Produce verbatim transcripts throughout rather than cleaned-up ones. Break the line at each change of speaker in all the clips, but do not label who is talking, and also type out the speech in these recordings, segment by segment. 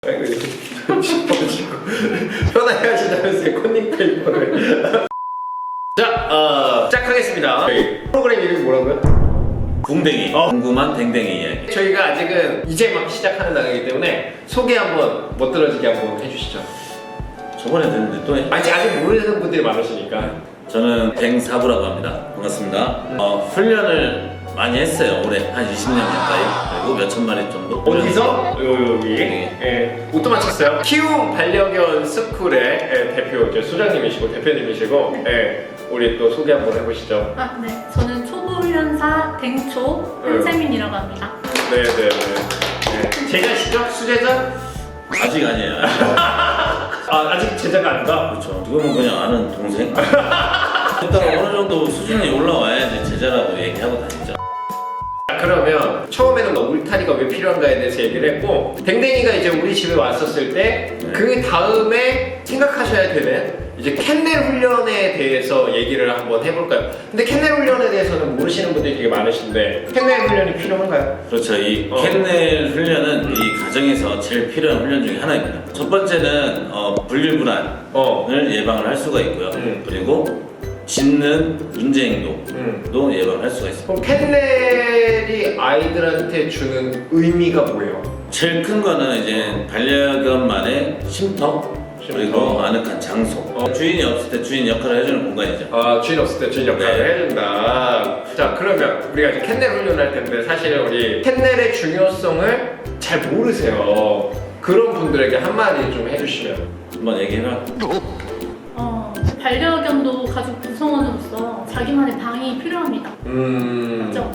편안해하시다면서 컨닝 페이퍼를. 자, 어, 시작하겠습니다. 프로그램 이름이 뭐라고요?
궁뎅이. 어. 궁금한 댕댕이 이야기.
저희가 아직은 이제 막 시작하는 단계이기 때문에 소개 한번 멋들어지게 한번 해주시죠.
저번에 듣는데 또 해?
아직 아직 모르는 분들이 많으시니까.
저는 댕사부라고 합니다. 반갑습니다. 어, 훈련을 많이 했어요. 올해 한 이십 년 가까이. 그리고 몇천 마리 정도.
어디서? 요, 여기.
네.
예. 옷도 맞췄어요. 키움 반려견 스쿨의 예, 대표 이제 소장님이시고 대표님이시고 예. 우리 또 소개 한번 해보시죠.
아, 네. 저는 초보훈련사 댕초 한세민이라고 합니다.
네네네. 네. 제자시죠? 수제자?
아직 아니에요.
아, 아직 제자가 아닌가?
그렇죠. 지금은 그냥 아는 동생. 일단 어느 정도 수준이 올라와야지 제자라고 얘기하고 다니죠.
그러면 처음에는 울타리가 왜 필요한가에 대해서 얘기를 했고, 댕댕이가 이제 우리 집에 왔었을 때 그
네.
다음에 생각하셔야 되는 이제 캔넬 훈련에 대해서 얘기를 한번 해볼까요? 근데 캔넬 훈련에 대해서는 모르시는 분들이 되게 많으신데 캔넬 훈련이 필요한가요?
그렇죠. 이
어.
캔넬 훈련은 이 가정에서 제일 필요한 훈련 중에 하나입니다. 첫 번째는 어, 분리불안을
어.
예방을 할 수가 있고요.
음.
그리고 짖는 문제 행동도
음.
예방을 할 수가 있습니다.
그럼 캔넬이 아이들한테 주는 의미가 뭐예요?
제일 큰 거는 이제 반려견만의 쉼터, 그리고 아늑한 장소.
어.
주인이 없을 때 주인 역할을 해주는 공간이죠.
아, 주인 없을 때 주인 역할을
네.
해준다. 자, 그러면 우리가 이제 캔넬 훈련할 텐데 사실 우리 캔넬의 중요성을 잘 모르세요. 그런 분들에게 한마디 좀 해주시면.
한번 얘기해봐.
어, 반려견도 가족 구성원으로서 자기만의 방이 필요합니다.
음.
맞죠?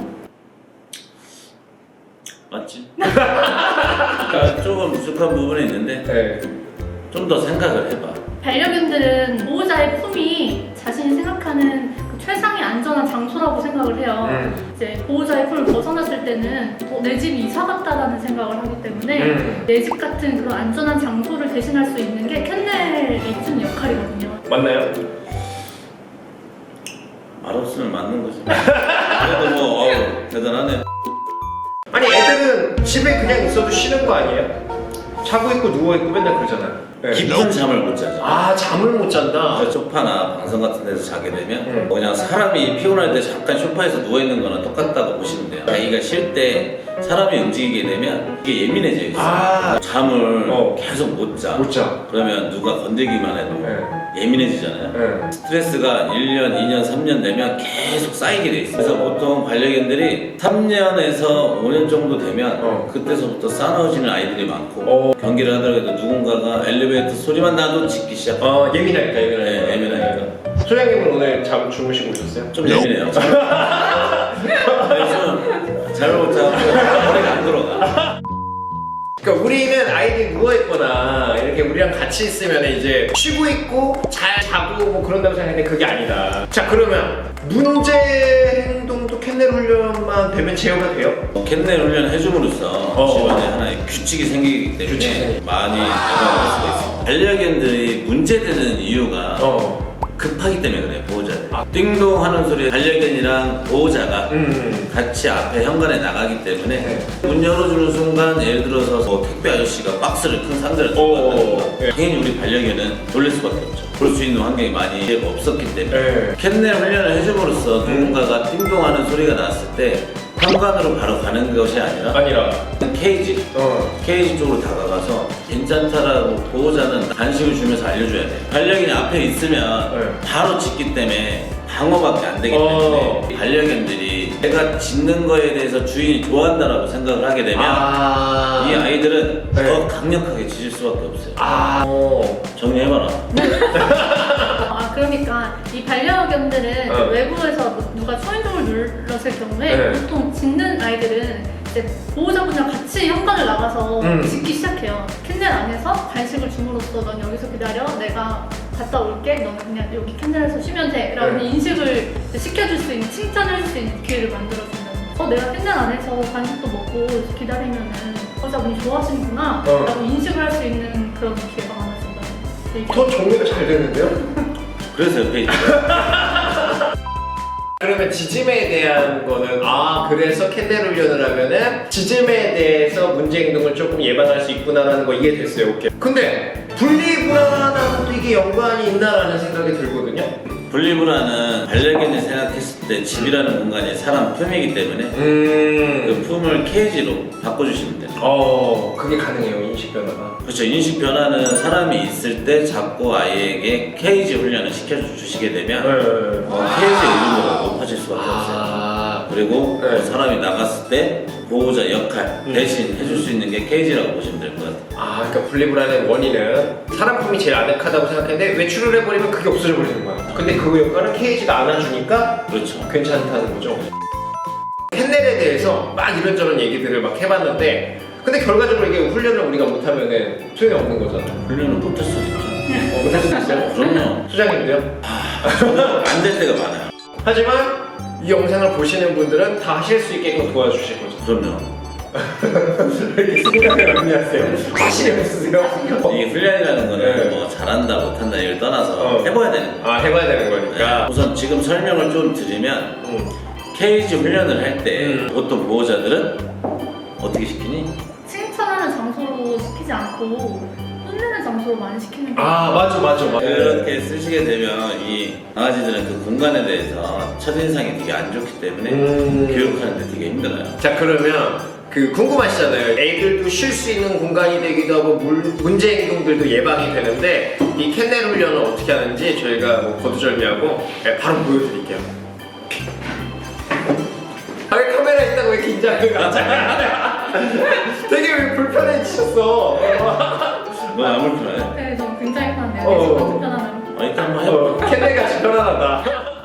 맞지? 그러니까 조금 부족한 부분이 있는데
네.
좀 더 생각을 해봐.
반려견들은 보호자의 품이 자신이 생각하는 그 최상의 안전한 장소라고 생각을 해요.
음.
이제 보호자의 품을 벗어났을 때는 어, 내 집이 이사 갔다라는 생각을 하기 때문에
음.
내 집 같은 그런 안전한 장소를 대신할 수 있는 게 캔넬이 주는 역할이거든요.
맞나요?
말 없으면 맞는 거지. 그래도 뭐 어우, 대단하네.
아니, 애들은 집에 그냥 있어도 쉬는 거 아니에요? 자고 있고 누워 있고 맨날 그러잖아요. 네.
깊은 잠을 못 자죠.
아, 잠을 못 잔다.
저 소파나 방송 같은 데서 자게 되면
음.
그냥 사람이 피곤할 때 잠깐 소파에서 누워 있는 거랑 똑같다고 보시면 돼요. 자기가 쉴 때 사람이 움직이게 되면 이게 예민해져 있어요.
아.
잠을
어.
계속 못 자.
못 자.
그러면 누가 건들기만 해도
네.
예민해지잖아요.
네.
스트레스가 일 년, 이 년, 삼 년 되면 계속 쌓이게 돼 있어요. 그래서 보통 반려견들이 삼 년에서 오 년 정도 되면
어.
그때서부터 싸나워지는 아이들이 많고
어.
경기를 하더라도 누군가가 엘리베이터 소리만 나도 짖기 시작해요.
어, 예민하니까, 예민하니까.
네, 예민하니까.
소장님은 오늘 잠 주무시고 오셨어요?
좀 예민해요. 요즘 잘못 자고 머리가 안 들어가.
그러니까 우리는 아이들이 누워있거나 이렇게 우리랑 같이 있으면 이제 쉬고 있고 잘 자고 뭐 그런다고 생각했는데 그게 아니다. 자, 그러면 문제 행동도 캔넬 훈련만 되면 제어가 돼요?
캔넬 훈련을 해줌으로써
어.
집안에 하나의 규칙이 생기기 때문에
규칙이 생기-
많이 예방을 할 수가 있습니다. 반려견들이 문제되는 이유가
어.
급하기 때문에 그래요. 보호자들. 띵동 하는 소리에 반려견이랑 보호자가
음.
같이 앞에 현관에 나가기 때문에
네.
문 열어주는 순간 예를 들어서 뭐 택배 아저씨가 박스를 큰 상자를 들고
오,
왔다든가
네.
당연히 우리 반려견은 놀랄 수밖에 없죠. 볼 수 있는 환경이 많이 없었기 때문에
네.
캔넬 훈련을 해줌으로써 누군가가 띵동하는 소리가 났을 때 현관으로 바로 가는 것이 아니라
아니라.
케이지
어.
케이지 쪽으로 다가가서 괜찮다라고 보호자는 간식을 주면서 알려줘야 돼요. 반려견이 앞에 있으면
네.
바로 짖기 때문에 방어밖에 안 되기
어.
때문에 반려견들이 내가 짖는 거에 대해서 주인이 좋아한다라고 생각을 하게 되면
아.
이 아이들은
네.
더 강력하게 짖을 수밖에 없어요.
아. 어.
정리해봐라.
아, 그러니까 이 반려견들은
어.
외부에서 뭐 누가 초인종을 눌렀을 경우에
네.
보통 짖는 아이들은 이제 보호자분이랑 같이 현관을 나가서
음.
짖기 시작해요. 캔넬 안에서 간식을 줌으로써 넌 여기서 기다려, 내가 갔다 올게, 너는 그냥 여기 캔넬에서 쉬면 돼 라는
네.
인식을 시켜줄 수 있는, 칭찬을 할 수 있는 기회를 만들어준다는 거죠. 어, 내가 캔넬 안에서 간식도 먹고 기다리면은 보호자분이 좋아하시는구나
어.
라고 인식을 할 수 있는 그런 기회가 많아진다는 거죠.
더 정리가 잘 되는데요?
그래서 옆에 있죠.
그러면 지짐에 대한 거는 아 그래서 캔넬 훈련을 하면은 지짐에 대해서 문제 행동을 조금 예방할 수 있구나라는 거 이해됐어요. 오케이. 근데 분리불안하고도 이게 연관이 있나라는 생각이 들거든요.
분리불안은 반려견이 생각했을 때 집이라는 공간이 사람 품이기 때문에
음.
그 품을 케이지로 바꿔주시면 돼요.
어 그게 가능해요 인식 변화가.
그렇죠. 인식 변화는 사람이 있을 때 자꾸 아이에게 케이지 훈련을 시켜주시게 되면
네.
어, 케이지 의존도가 높아질 수밖에 없어요.
아.
그리고
네.
어, 사람이 나갔을 때 보호자 역할
음.
대신 해줄 수 있는 게 케이지라고 보시면 될 것 같아요.
아, 그러니까 분리불안의 원인은 사람 품이 제일 아늑하다고 생각했는데 외출을 해버리면 그게 없어져 버리는 거야. 근데 그 역할은 케이지가 안아주니까
그렇죠.
괜찮다는 거죠. 캔넬에 대해서 막 이런저런 얘기들을 막 해봤는데 근데 결과적으로 이게 훈련을 우리가 못하면은 소용이 없는 거잖아요.
훈련은 못할 수도 있죠.
어, 못할 수도 있어요?
그럼요.
수장님도요?
안 될 때가 많아요.
하지만 이 영상을 보시는 분들은 다 하실 수 있게끔 도와주실 거죠.
그럼요.
왜 이렇게 생각을 많이 하세요? 자신이 없으세요?
이 훈련이라는 거는
네.
뭐 잘한다 못한다 이걸 떠나서
어.
해봐야 되는 거예요.
아, 해봐야 되는
네.
거니까.
우선 지금 설명을 좀 드리면
음.
케이지 훈련을 할 때
음.
보통 보호자들은 어떻게 시키니?
칭찬하는 장소로 시키지 않고 혼내는 장소로 많이 시키는 거.
아, 맞아, 맞아, 맞아.
그렇게 쓰시게 되면 이 강아지들은 그 공간에 대해서 첫인상이 되게 안 좋기 때문에
음.
교육하는데 되게 힘들어요.
자, 그러면 그 궁금하시잖아요. 애들도 쉴 수 있는 공간이 되기도 하고 물, 문제 행동들도 예방이 되는데 이 캔넬 훈련을 어떻게 하는지 저희가 뭐 거두절미하고 네, 바로 보여드릴게요. 아, 왜 카메라 있다고 왜 긴장을 가잖아. 되게 왜 불편해지셨어.
너안 불편해?
네, 저 굉장히 편한데요.
어.
네, 저도 편하네요.
아, 일단 한번 해볼까?
어, 캔넬 같이 편안하다.